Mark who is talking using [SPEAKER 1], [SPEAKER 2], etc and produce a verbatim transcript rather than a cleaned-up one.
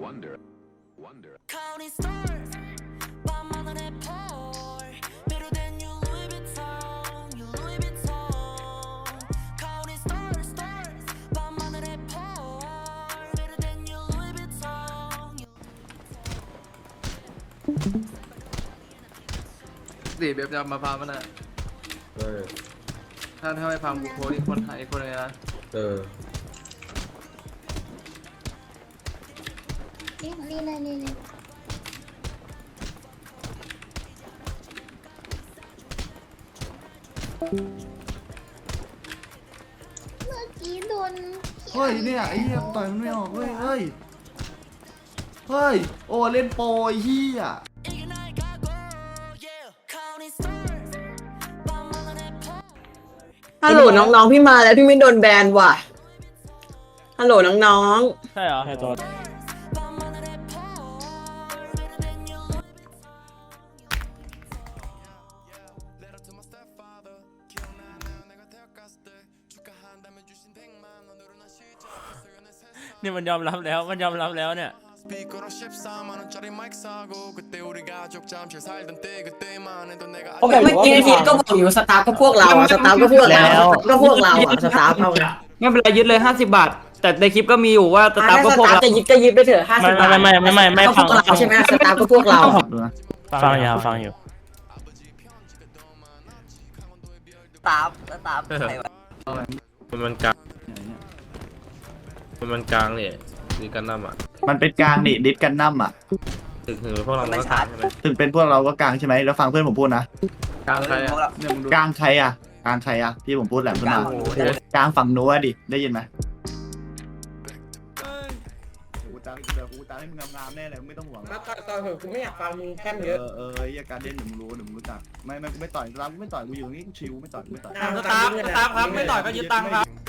[SPEAKER 1] Wonder, wonder.
[SPEAKER 2] Counting stars, 밤하늘에 펄 Better than you Louis Vuitton, you Louis Vuitton. Counting stars, stars, 밤하늘에 펄 Better than you Louis Vuitton.
[SPEAKER 3] สี่เบบจะมาพามันอ่ะ
[SPEAKER 4] เออ
[SPEAKER 3] ถ้าถ้าไม่พามกูโพสต์อีกคนไทยคนเลยนะ
[SPEAKER 4] เออ
[SPEAKER 5] นี่นี่เลยนี่เลยเมื่อกี้โดน
[SPEAKER 6] เฮ้ยเนี่ยไอ้เหี้ยต่อยมันไม่ออกเฮ้ยเฮ้ยเฮ้ยโอ้เล่นโปรไอ้เหี้ย
[SPEAKER 2] Ignite 가고, yeah. Counting stars, 밤하늘에 펄
[SPEAKER 7] ฮัลโหลน้องๆพี่มาแล้วพี่ไม่โดนแบนว่ะฮัลโหลน้อง
[SPEAKER 8] ใช่เหรอใช่ตัว
[SPEAKER 2] 밤하늘에 펄 Better than you Louis Vuitton.
[SPEAKER 8] นี่มันยอมรับแล้วมันยอมรับแล้วเนี่ย
[SPEAKER 9] 스피커로 십사만 원짜리 마이크 사고 그때 우리 가족 잠실 살던 때 그때만 해도 내가
[SPEAKER 7] ๆเมื่อกี้พีทก็บอกอยู่สตาร์ก็พวกเราอะสตาร์ก็พวกเราก็พวกเราอะสตาร์เอาไง
[SPEAKER 10] ไม่เป็นไรยึดเลยห้าสิบบาท แต่ในคลิปก็มีอยู่ว่าสตาร์ก็พวกเรา
[SPEAKER 7] จะยิบก็ยิบไปเถอะห้าสิบบาท
[SPEAKER 8] ไม่ไม่ไม่ไม่ไม่
[SPEAKER 7] ก็พวกเราใช่ไหมสตาร์ก็พวกเรา
[SPEAKER 6] ดูนะ
[SPEAKER 8] ฟังอยู่ฟังอยู่
[SPEAKER 7] สตาร์สตาร์ใครวะ
[SPEAKER 4] มันมันกลางมันมันกลางเนี่ยดีกันน้ำอ่ะ
[SPEAKER 6] มันเป็นกลางนี่ดิสกันนัมอ่ะ
[SPEAKER 4] ถึงถึงพวกเรามันก็กลางใช่ไหม
[SPEAKER 6] ถึงเป็นพวกเราก็กลางใช่ไหมแล้วฟังเพื่อนผมพูดนะ
[SPEAKER 3] กลางใครอ่ะเนี่ยมึงดู
[SPEAKER 6] กลางใครอ่ะกลางใครอ่ะที่ผมพูดแหละขึ้นมากลางฝั่งนู้นดิได้ยินไหมกูตามเดี๋ยวกูตามให้มึงงามๆแน่เลยไม่ต้องห่วง
[SPEAKER 7] มาต่อยต่อยเถอะกูไม่อยากฟังมึงแค่
[SPEAKER 6] เอ
[SPEAKER 7] เยอะ
[SPEAKER 6] อเออไอ้การเล่นเดี๋ยวมึงรู้เดี๋ยวมึงรู้จักไม่ไม่กูไม่ต่อยตามกูไม่ต่อยกูอยู่นี่กูชิวไม่ต่อยกูไม่ต่อย
[SPEAKER 7] สตาร์สตาร์ครับไม่ต่อยก็ยึดตังค์ครับ